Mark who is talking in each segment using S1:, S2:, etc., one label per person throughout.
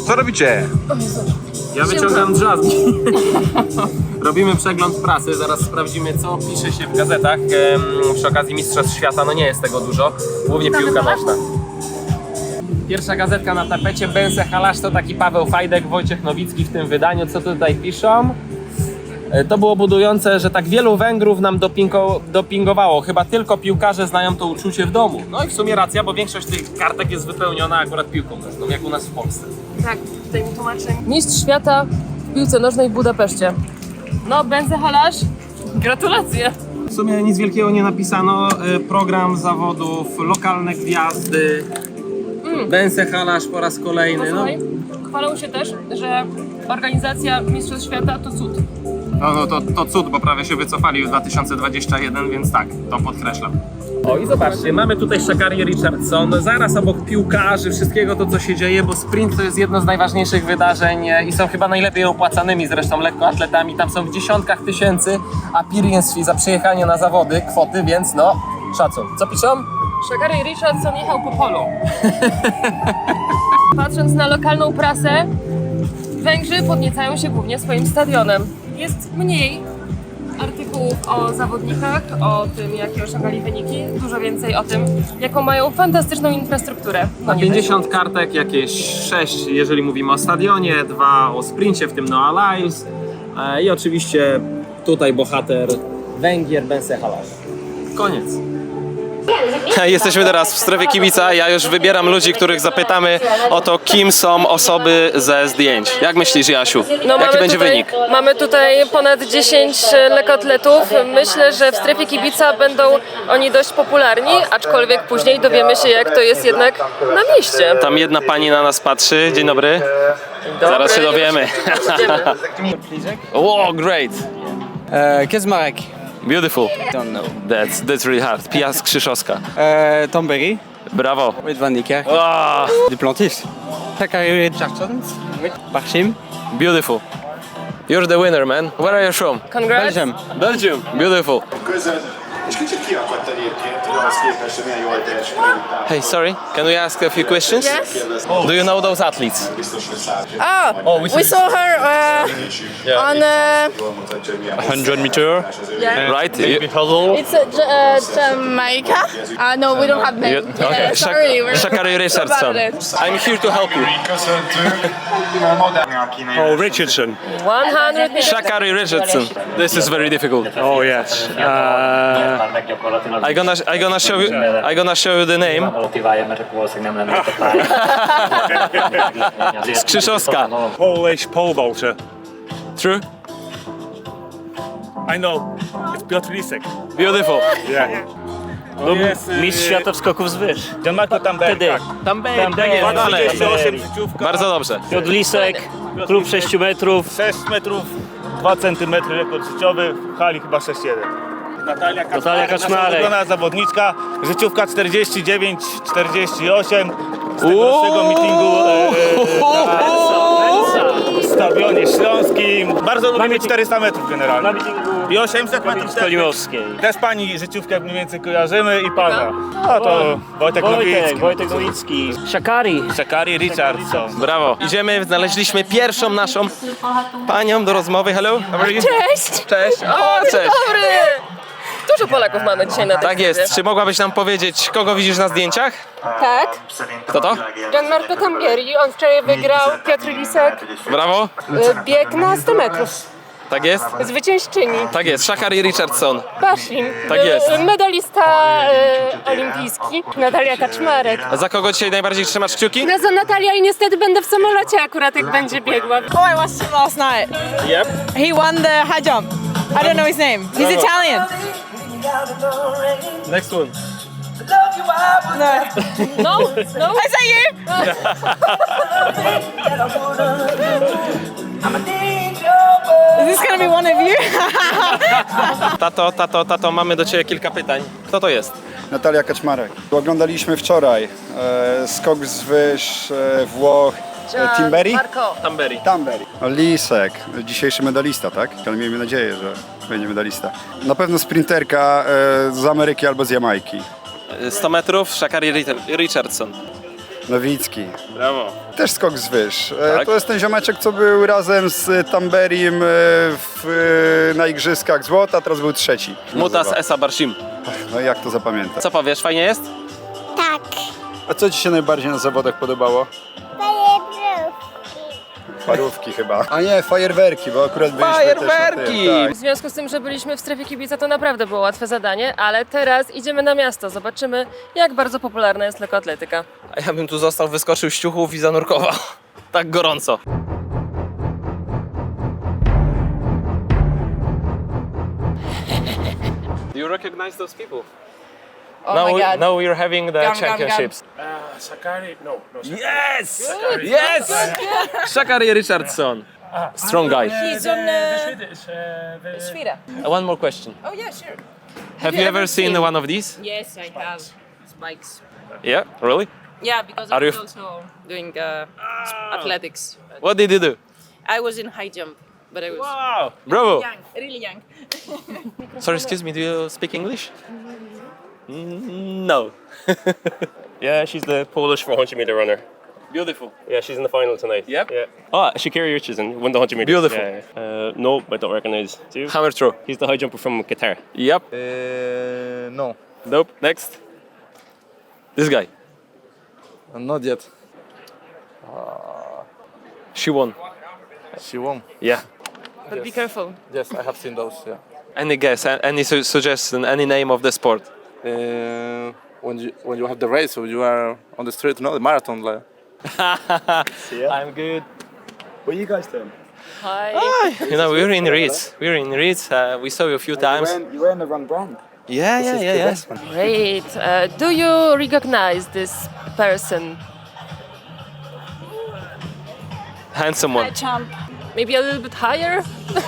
S1: Co robicie?
S2: Ja wyciągam drzazgi. Robimy przegląd prasy, zaraz sprawdzimy, co pisze się w gazetach. Przy okazji Mistrzostw Świata, no nie jest tego dużo, głównie piłka nożna. Pierwsza gazetka na tapecie, Bense Halasz, to taki Paweł Fajdek, Wojciech Nowicki w tym wydaniu. Co tutaj piszą? To było budujące, że tak wielu Węgrów nam dopingowało. Chyba tylko piłkarze znają to uczucie w domu. No i w sumie racja, bo większość tych kartek jest wypełniona akurat piłką nożną, jak u nas w Polsce.
S3: Tak, tutaj mi tłumaczę. Mistrz świata w piłce nożnej w Budapeszcie. No, Bense Halasz, gratulacje.
S2: W sumie nic wielkiego nie napisano. Program zawodów, lokalne gwiazdy. Bense Halasz po raz kolejny.
S3: Słuchaj, chwalą się też, że organizacja Mistrzostw Świata to cud.
S2: No to cud, bo prawie się wycofali w 2021, więc tak, to podkreślam. O i zobaczcie, mamy tutaj Sha'Carri Richardson, zaraz obok piłkarzy, wszystkiego to co się dzieje, bo sprint to jest jedno z najważniejszych wydarzeń i są chyba najlepiej opłacanymi zresztą lekkoatletami, tam są w dziesiątkach tysięcy appearance fee za przyjechanie na zawody, kwoty, więc no, szacun. Co piszą?
S3: Sha'Carri Richardson jechał po polu. Patrząc na lokalną prasę, Węgrzy podniecają się głównie swoim stadionem. Jest mniej artykułów o zawodnikach, o tym, jakie osiągali wyniki, dużo więcej o tym, jaką mają fantastyczną infrastrukturę.
S2: Na 50 kartek jakieś 6, jeżeli mówimy o stadionie, 2 o sprincie, w tym Noah Lyles i oczywiście tutaj bohater Węgier, Bense Halasz. Koniec. Jesteśmy teraz w strefie kibica. Ja już wybieram ludzi, których zapytamy o to, kim są osoby ze zdjęć. Jak myślisz, Jasiu? Jaki będzie wynik?
S3: Mamy tutaj ponad 10 lekkoatletów. Myślę, że w strefie kibica będą oni dość popularni, aczkolwiek później dowiemy się, jak to jest jednak na mieście.
S2: Tam jedna pani na nas patrzy. Dzień dobry. Zaraz się dowiemy. Wow, great.
S4: Kaczmarek.
S2: Beautiful.
S4: Don't know.
S2: That's really hard. Pia Skrzyszowska.
S4: Tomberry.
S2: Brawo.
S4: With Van Niekerk.
S2: Ah,
S4: Duplantis. Sha'Carri Richardson. Barshim.
S2: beautiful. You're the winner, man. Where are you from?
S3: Congrats.
S4: Belgium.
S2: Belgium. Beautiful.
S5: Közön, és kicsit kiakadt egyébként, hogy ahhoz képest, hogy milyen jól teljesített.
S2: Hey, sorry. Can we ask a few questions?
S6: Yes.
S2: Do you know those athletes?
S5: Biztos, hogy száll.
S6: Oh, we saw her on
S5: Jól mutatja, hogy milyen
S4: 100 meter.
S2: Right?
S6: it's Jamaica. No, we don't have name.
S2: Okay.
S6: Sorry, we're
S2: Sha'Carri Richardson.
S6: about it.
S2: I'm here to help you.
S5: köszöntünk. A modern a kínai.
S4: Oh, Richardson.
S3: 100 meters.
S2: Sha'Carri Richardson. This is very difficult.
S4: Oh, yes.
S2: I gonna show you the name. Skrzyszowska.
S4: Polish pole vaulter.
S2: True?
S4: I know. It's Piotr Lisek.
S2: Beautiful.
S4: Yeah.
S7: Mistrz świata w skoków z wyż.
S4: Gianmarco Tamberg.
S7: Wtedy
S2: Tam będzie dalej.
S4: 38 życiówka.
S2: Bardzo dobrze.
S7: Piotr Lisek, klub 6 metrów.
S4: 6 metrów, 2 centymetry rekord życiowy, w hali chyba 6,1. Natalia Kaczmarek, nasza ulubiona zawodniczka, życiówka 49-48 z tegorocznego meetingu w Stadionie Śląskim. Bardzo lubimy 400 metrów generalnie. I 800 metrów też.
S7: Kolimowskiej.
S4: Też pani życiówkę mniej więcej kojarzymy i pana. No to Wojtek Nowicki.
S7: Wojtek Nowicki. Sha'Carri.
S4: Sha'Carri Richardson.
S2: Brawo. Idziemy, znaleźliśmy pierwszą naszą panią do rozmowy. Hello, how are you?
S3: Cześć!
S2: Cześć. O, cześć.
S3: Dobry! Dużo Polaków mamy dzisiaj na tej
S2: Tak jest. Czy mogłabyś nam powiedzieć, kogo widzisz na zdjęciach?
S6: Tak.
S2: Kto to?
S6: Gianmarco Tamberri, on wczoraj wygrał, Piotr Lisek,
S2: Brawo.
S6: bieg na 100 metrów.
S2: Tak jest?
S6: Zwyciężczyni.
S2: Tak jest. Sha'Carri Richardson.
S6: Bashim,
S2: Tak jest.
S6: medalista olimpijski, Natalia Kaczmarek.
S2: A za kogo dzisiaj najbardziej trzymasz kciuki?
S6: No za Natalia i niestety będę w samolocie akurat jak będzie biegła.
S8: Oh, I watched him last night.
S2: Yep.
S8: He won the high jump. I don't know his name. He's Italian.
S2: Next one.
S8: No.
S3: No, no.
S8: Is that you? Is this gonna be one of you?
S2: Tato, mamy do ciebie kilka pytań. Kto to jest?
S9: Natalia Kaczmarek. Oglądaliśmy wczoraj skok z wyż Włoch Timberry?
S2: Tamberry.
S9: Tamberry. Lisek, dzisiejszy medalista, tak? Ale miejmy nadzieję, że będzie medalista. Na pewno sprinterka z Ameryki albo z Jamajki.
S2: 100 metrów, Sha'Carri Richardson.
S9: Nowicki.
S2: Brawo.
S9: Też skok z wyż.
S2: Tak.
S9: To jest ten ziomeczek, co był razem z Tamberim na Igrzyskach złota, teraz był trzeci.
S2: Mutas Esa Barshim.
S9: No i jak to zapamiętać?
S2: Co powiesz, fajnie jest?
S1: Tak.
S9: A co ci się najbardziej na zawodach podobało? Parówki chyba. A nie, fajerwerki, bo akurat byliśmy
S2: Fajerwerki!
S9: też na tym,
S3: W związku z tym, że byliśmy w strefie kibica, to naprawdę było łatwe zadanie, ale teraz idziemy na miasto. Zobaczymy, jak bardzo popularna jest lekkoatletyka.
S2: A ja bym tu został, wyskoczył z ciuchów i zanurkował. Tak gorąco. You recognize those people?
S8: Oh
S2: now,
S8: my God.
S2: now we're having the
S8: Gum, gum,
S2: championships.
S5: Sakari? No.
S2: Yes! Yes! Shakari Richardson. Strong guy.
S8: He's on Svira.
S2: One more question.
S8: Oh yeah, sure.
S2: Have you ever seen one of these?
S8: Yes, I have spikes.
S2: Yeah, really?
S8: Yeah, because
S2: Are
S8: I was
S2: you-
S8: also doing athletics.
S2: What did you do?
S8: I was in high jump, but I was
S2: Wow! Bravo!
S8: young, really young.
S2: Sorry, excuse me, do you speak English? No.
S10: Yeah, she's the Polish 400 meter runner.
S2: Beautiful.
S10: Yeah, she's in the final tonight.
S2: Yep.
S10: Yeah. Oh, Shakari Richardson won the 100 meters.
S2: Beautiful.
S10: Yeah. No, I don't recognize. Do you?
S2: Hammer throw.
S10: He's the high jumper from Qatar.
S2: Yep.
S11: No,
S2: Nope. Next. This guy.
S11: not yet.
S2: She won.
S11: She won.
S2: Yeah.
S3: But be careful.
S11: Yes, I have seen those. Yeah.
S2: Any guess? Any suggestion? Any name of the sport?
S11: When you have the race, so you are on the street, no, the marathon. Like.
S2: I'm good.
S11: What are you guys doing?
S3: Hi.
S2: You know, we're in Ritz. We're in Ritz. We saw you a few times.
S11: You were in the run brand.
S2: Yeah.
S3: Great. Do you recognize this person?
S2: Handsome one.
S8: Jump.
S3: Maybe a little bit higher?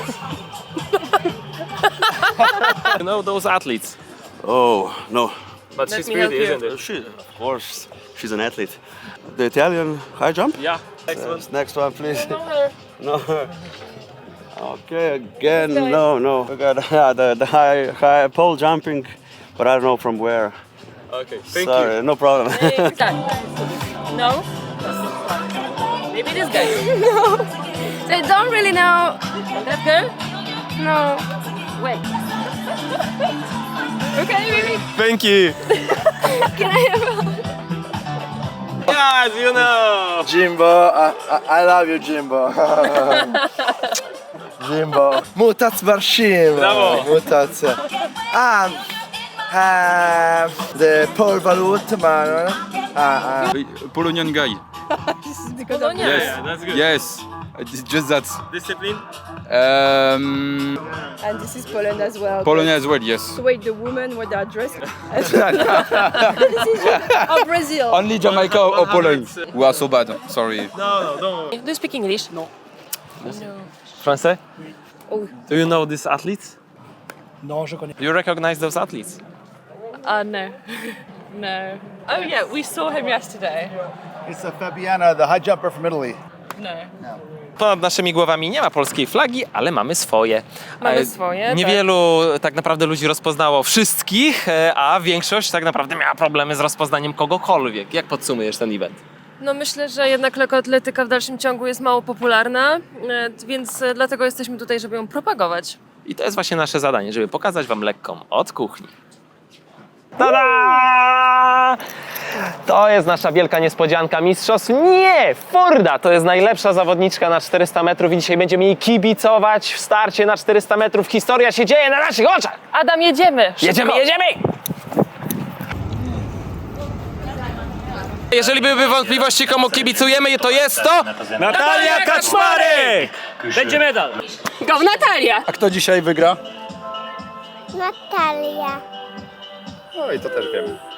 S2: You know those athletes.
S12: Oh, no.
S2: But
S3: Let
S2: she's
S3: me help
S2: pretty,
S3: you.
S2: isn't it?
S12: She, of course, she's an athlete. The Italian high jump?
S2: Yeah. Next one.
S12: Next one, please. No. Okay, again, no. We got the high pole jumping, but I don't know from where.
S2: Okay. Thank
S12: Sorry, no problem.
S3: This guy. No? Maybe this guy.
S6: I don't really know.
S3: And that girl?
S6: No.
S3: Wait. Okay, maybe.
S2: Thank you.
S6: Can I have
S2: Yes, you know.
S11: Jimbo, I love you, Jimbo. Jimbo. Mutat Barshim.
S2: Brawo.
S11: Mutacja. The pole valuta man.
S9: Polonian guy.
S3: Polonia.
S2: Yeah, that's good.
S9: Yes. It's just that.
S2: Discipline.
S8: And this is Poland as well.
S9: Polonia as well, yes.
S8: So wait, the women with their dress. Oh, Brazil.
S9: Only Jamaica or Poland. We are so bad. Sorry.
S2: No, don't.
S3: Do you speak English? No.
S2: Français?
S8: Oh.
S2: Do you know these athletes?
S11: Non, je connais.
S2: Do you recognize those athletes?
S8: No. No. Oh yeah, we saw him yesterday.
S11: It's Fabiana, the high jumper from Italy.
S8: No.
S2: Ponad naszymi głowami nie ma polskiej flagi, ale mamy swoje.
S3: Mamy swoje,
S2: Niewielu tak naprawdę ludzi rozpoznało wszystkich, a większość tak naprawdę miała problemy z rozpoznaniem kogokolwiek. Jak podsumujesz ten event?
S3: No myślę, że jednak lekkoatletyka w dalszym ciągu jest mało popularna, więc dlatego jesteśmy tutaj, żeby ją propagować.
S2: I to jest właśnie nasze zadanie, żeby pokazać wam lekką od kuchni. Tada! To jest nasza wielka niespodzianka mistrzostw. Nie! Forda to jest najlepsza zawodniczka na 400 metrów i dzisiaj będziemy jej kibicować w starcie na 400 metrów. Historia się dzieje na naszych oczach!
S3: Adam, jedziemy! Szybko.
S2: Jedziemy! Jeżeli były wątpliwości, komu kibicujemy, to jest to Natalia Kaczmarek!
S7: Będzie medal.
S3: Go, Natalia!
S9: A kto dzisiaj wygra?
S1: Natalia.
S9: No i to też wiem.